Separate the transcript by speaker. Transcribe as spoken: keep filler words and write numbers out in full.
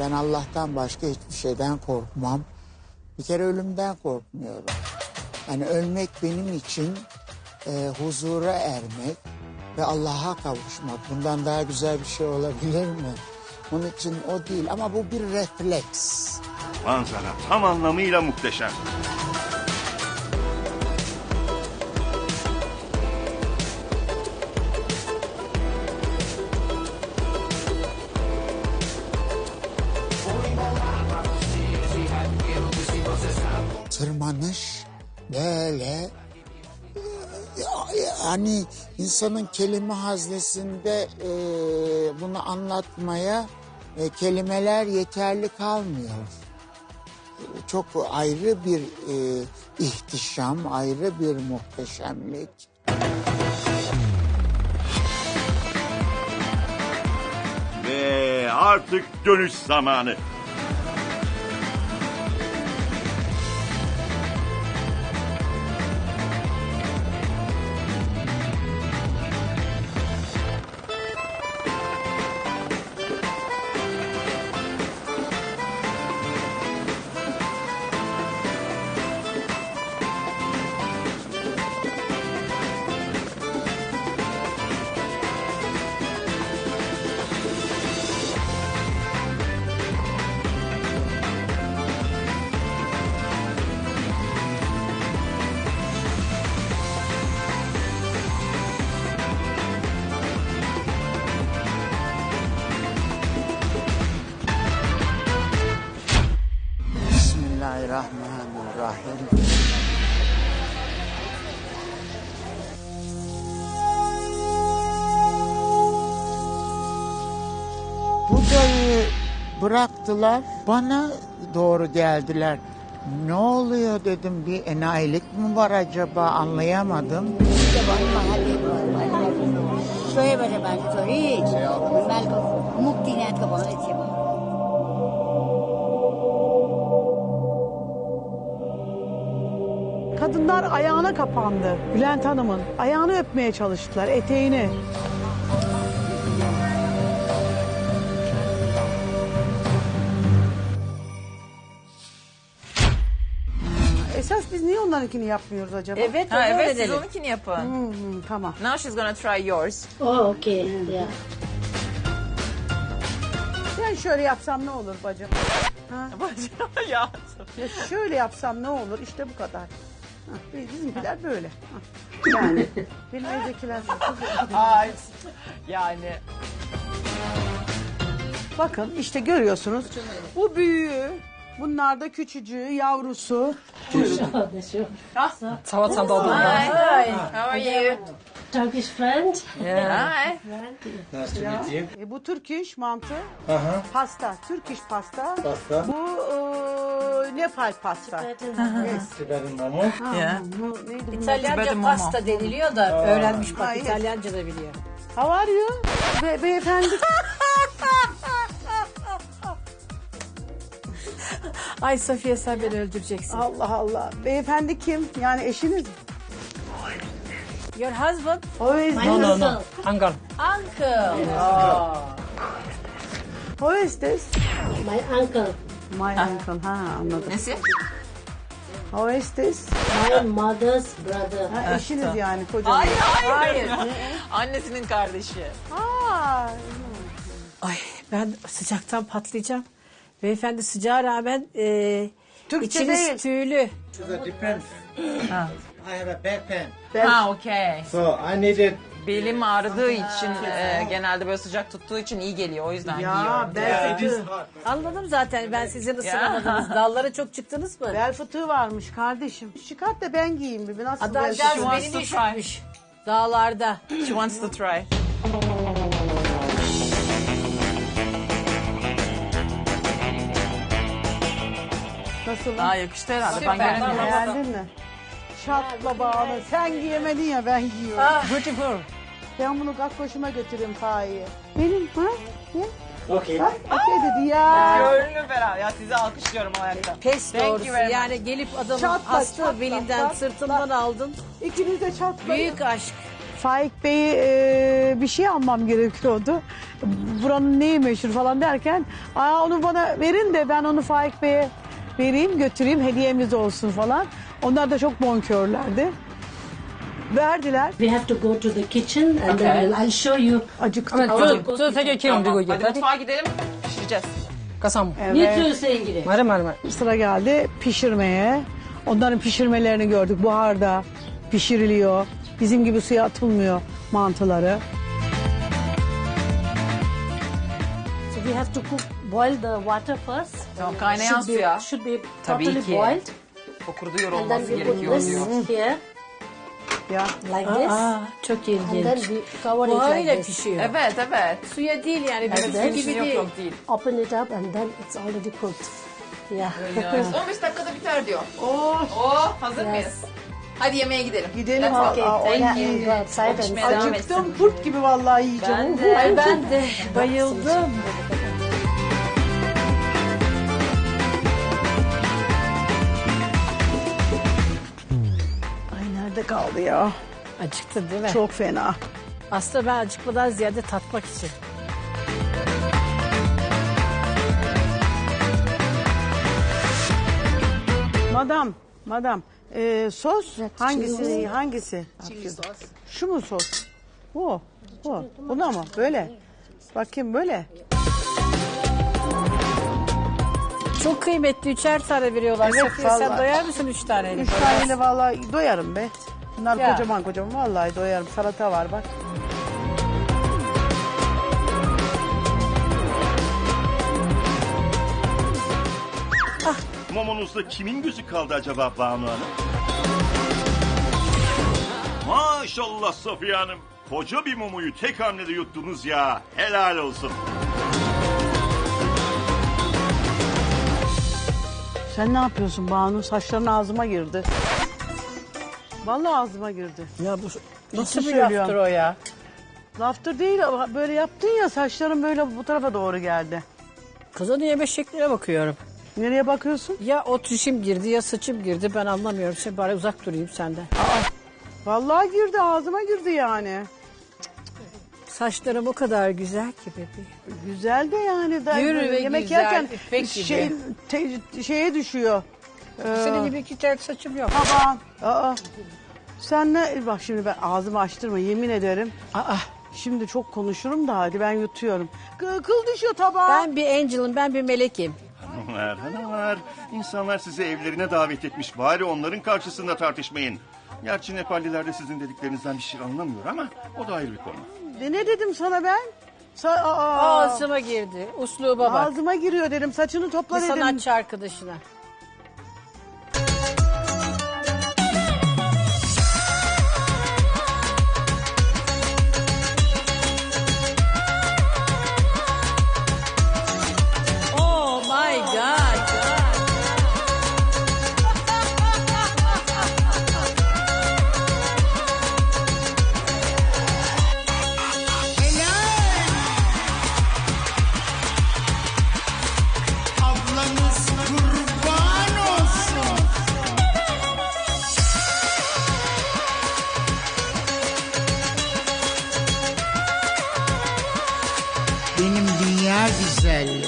Speaker 1: Ben Allah'tan başka hiçbir şeyden korkmam. Bir kere ölümden korkmuyorum. Yani ölmek benim için e, huzura ermek ve Allah'a kavuşmak. Bundan daha güzel bir şey olabilir mi? Onun için o değil ama bu bir refleks.
Speaker 2: Manzara tam anlamıyla muhteşem.
Speaker 1: Tırmanış böyle hani insanın kelime haznesinde e, bunu anlatmaya e, kelimeler yeterli kalmıyor. Çok ayrı bir e, ihtişam, ayrı bir muhteşemlik.
Speaker 2: Ve artık dönüş zamanı.
Speaker 1: Bismillahirrahmanirrahim. Buda'yı bıraktılar, bana doğru geldiler. Ne oluyor dedim, bir enayilik mi var acaba, anlayamadım.
Speaker 3: Kadınlar ayağına kapandı. Bülent Hanım'ın ayağını öpmeye çalıştılar, eteğini. Esas biz niye onlarınkini yapmıyoruz acaba?
Speaker 4: Evet,
Speaker 5: Ha,
Speaker 4: öyle
Speaker 5: evet siz
Speaker 4: edelim.
Speaker 5: onunkini yapın.
Speaker 3: Hmm, hmm, tamam.
Speaker 5: Now she's gonna try yours.
Speaker 6: Oh, okay. Yeah.
Speaker 3: Ben şöyle yapsam ne olur bacım? Ha?
Speaker 5: Ya.
Speaker 3: Ya şöyle yapsam ne olur? İşte bu kadar. Ha, bizimkiler böyle. Ha. Yani benim evdekiler...
Speaker 5: Ay. Yani.
Speaker 3: Bakın işte görüyorsunuz. Bu büyüğü, bunlar da küçücüğü, yavrusu.
Speaker 5: Salata dolma. Hi. How are you?
Speaker 6: Turkish friend.
Speaker 5: Hi.
Speaker 3: E, bu Türk iş mantı,
Speaker 7: Aha,
Speaker 3: pasta, Türk iş pasta.
Speaker 7: pasta.
Speaker 3: Bu e, Nepal pasta. Yes.
Speaker 7: Siberin mamu.
Speaker 5: Yeah.
Speaker 3: Bu neydi bu?
Speaker 4: İtalyanca
Speaker 5: Benim
Speaker 4: pasta deniliyor da öğrenmiş bak,
Speaker 3: Hayır.
Speaker 4: İtalyanca da biliyor.
Speaker 3: How are you? Be beyefendi.
Speaker 4: Ay Safiye, sen beni öldüreceksin.
Speaker 3: Allah Allah. Beyefendi kim? Yani eşiniz mi?
Speaker 4: Your husband?
Speaker 3: Who is,
Speaker 6: My uncle.
Speaker 5: Uncle.
Speaker 4: Uncle.
Speaker 3: who is this?
Speaker 6: My uncle.
Speaker 3: My uncle. Ha anladım.
Speaker 5: Nesi?
Speaker 3: Who is this?
Speaker 6: My mother's brother.
Speaker 3: Ha, eşiniz yani kocanız.
Speaker 5: Hayır hayır. Annesinin kardeşi.
Speaker 3: Aa,
Speaker 4: Ay ben sıcaktan patlayacağım. Beyefendi sıcağa rağmen e,
Speaker 3: Türkçe
Speaker 4: içiniz
Speaker 3: değil.
Speaker 4: tüylü.
Speaker 7: To the defense. I have a back pain.
Speaker 5: Ha okey.
Speaker 7: So I needed...
Speaker 5: Belim ağrıdığı için e, genelde böyle sıcak tuttuğu için iyi geliyor. O yüzden
Speaker 3: ya
Speaker 5: giyiyorum.
Speaker 3: bel
Speaker 7: It is
Speaker 3: fıtığı.
Speaker 7: hot.
Speaker 4: Anladım zaten, ben sizin ısınamadınız. Dallara çok çıktınız mı?
Speaker 3: Bel fıtığı varmış kardeşim. Çıkart da ben giyeyim bir. Nasıl bel
Speaker 4: Adamcağız
Speaker 3: fıtığı?
Speaker 5: wants
Speaker 4: beni
Speaker 5: to
Speaker 4: düşürmüş. Dağlarda.
Speaker 5: She wants to try.
Speaker 3: Nasıl?
Speaker 5: Aa yakıştı herhalde.
Speaker 4: Süper.
Speaker 5: Ben göremiyorum.
Speaker 3: Beğendin mi? Şatla bağlı. Sen giyemedin ya ben giyiyorum.
Speaker 4: Beautiful.
Speaker 3: Ben bunu kakkoşuma götüreyim Fahiye. Benim ha? Ne?
Speaker 7: Okay.
Speaker 3: Bak okey dedi ya.
Speaker 5: Gönlüm ferah. Ya sizi alkışlıyorum o ayakta.
Speaker 4: Pes
Speaker 5: Thank you
Speaker 4: doğrusu.
Speaker 5: very much.
Speaker 4: Yani gelip adamın
Speaker 3: Çatla,
Speaker 4: hasta
Speaker 3: çatla,
Speaker 4: belinden,
Speaker 3: çatla.
Speaker 4: sırtından aldın.
Speaker 3: İkiniz de çatlayın.
Speaker 4: Büyük aşk.
Speaker 3: Faik Bey'i e, bir şey almam gerekiyordu. Buranın neyi meşhur falan derken Aa, onu bana verin de ben onu Faik Bey'e vereyim götüreyim hediyemiz olsun falan. Onlar da çok bonkörlerdi. Verdiler.
Speaker 6: We have to go to the kitchen and
Speaker 5: Okay.
Speaker 6: then I'll show you.
Speaker 3: Acıktık.
Speaker 5: 저, 저 되게 귀여운 그리고 이게. Hadi mutfağa gidelim. Pişireceğiz. Kasam.
Speaker 6: You too, Sengiri.
Speaker 5: Mare mare mare.
Speaker 3: Sıra geldi pişirmeye. Onların pişirmelerini gördük. Buharda pişiriliyor. Bizim gibi suya atılmıyor mantıları.
Speaker 6: So we have to cook, boil the water first.
Speaker 5: Tamam, kaynayan
Speaker 6: Should be-
Speaker 5: suya.
Speaker 6: Should be
Speaker 5: Tabii
Speaker 6: properly
Speaker 5: ki.
Speaker 6: boiled.
Speaker 5: Fokurduyor
Speaker 6: And then
Speaker 5: olması
Speaker 6: we put
Speaker 5: gerekiyor
Speaker 6: this
Speaker 5: diyor.
Speaker 6: here
Speaker 3: Ya
Speaker 6: like this.
Speaker 4: Çok
Speaker 6: And then
Speaker 4: ilginç.
Speaker 6: we cover it
Speaker 4: Buharıyla
Speaker 6: like this.
Speaker 4: pişiyor.
Speaker 5: Evet evet.
Speaker 4: Suya değil yani.
Speaker 6: Like
Speaker 4: Bizim
Speaker 6: that.
Speaker 4: gibi
Speaker 5: Yok
Speaker 4: değil.
Speaker 5: yok değil.
Speaker 6: Open it up and then it's already cooked. Yeah.
Speaker 5: on beş dakikada biter diyor. Oo. Oo, hazır mıyız? Hadi yemeğe gidelim.
Speaker 3: gidelim.
Speaker 5: Let's go.
Speaker 3: Aa,
Speaker 6: Okay,
Speaker 3: o
Speaker 6: thank
Speaker 3: yani-
Speaker 6: you. Go outside and
Speaker 5: Pişmeye devam
Speaker 3: Acıktım
Speaker 5: etsin.
Speaker 3: kurt gibi vallahi yiyeceğim.
Speaker 6: Ben de.
Speaker 4: Ay ben de bayıldım.
Speaker 3: Ay nerede kaldı ya?
Speaker 4: Acıktın değil mi?
Speaker 3: Çok fena.
Speaker 4: Aslında ben acıkmadan ziyade tatmak için.
Speaker 3: Madam, madam. Ee, sos hangisi? Hangisi? Şu mu sos? Bu. Bu. Buna mı? Böyle. Bakayım böyle.
Speaker 4: Çok kıymetli üçer tane veriyorlar.
Speaker 3: Evet,
Speaker 4: Safiye, sen
Speaker 3: vallahi.
Speaker 4: doyar mısın üç taneyle?
Speaker 3: Üç taneyle vallahi doyarım be. Bunlar
Speaker 4: Ya.
Speaker 3: kocaman kocaman vallahi doyarım. Salata var bak.
Speaker 2: Mumunuzda kimin gözü kaldı acaba Banu Hanım? Maşallah Safiye Hanım. Koca bir mumuyu tek hamlede yuttunuz ya. Helal olsun.
Speaker 3: Sen ne yapıyorsun Banu? Saçların ağzıma girdi. Vallahi ağzıma girdi.
Speaker 4: Ya bu nasıl
Speaker 3: Ciddi
Speaker 4: bir laftır
Speaker 3: söylüyorum.
Speaker 4: o ya?
Speaker 3: Laftır değil ama böyle yaptın ya saçların böyle bu tarafa doğru geldi.
Speaker 4: Kızın yeme şekline bakıyorum.
Speaker 3: Nereye bakıyorsun?
Speaker 4: Ya o tüşüm girdi ya saçım girdi ben anlamıyorum. Sen bari uzak durayım senden.
Speaker 3: Vallahi girdi ağzıma girdi yani.
Speaker 4: Saçlarım o kadar güzel ki bebeğim.
Speaker 3: Güzel de yani. Da,
Speaker 4: Yürü ve
Speaker 3: yemek
Speaker 4: güzel,
Speaker 3: yerken
Speaker 4: ipek gibi.
Speaker 3: şey, te- şeye düşüyor. Ee,
Speaker 4: Senin gibi iki tel saçım yok.
Speaker 3: Aman. Aa. Sen ne? Bak şimdi ben ağzımı açtırma yemin ederim.
Speaker 4: Aa,
Speaker 3: Şimdi çok konuşurum da hadi ben yutuyorum. Kı- Kıl düşüyor tabağa.
Speaker 4: ben bir angel'ım, ben bir melekim.
Speaker 2: Hanımlar, hanımlar. İnsanlar sizi evlerine davet etmiş. Bari onların karşısında tartışmayın. Gerçi Nepalliler de sizin dediklerinizden bir şey anlamıyor ama o da ayrı bir konu.
Speaker 3: De ne dedim sana ben? Sa- aa,
Speaker 4: Ağzıma girdi. Usluba bak.
Speaker 3: Ağzıma giriyor dedim. Saçını topla
Speaker 4: Bir
Speaker 3: dedim.
Speaker 4: sanatçı arkadaşına. Oh my God.
Speaker 7: Ablanız kurban olsun. Benim dünya güzelleri.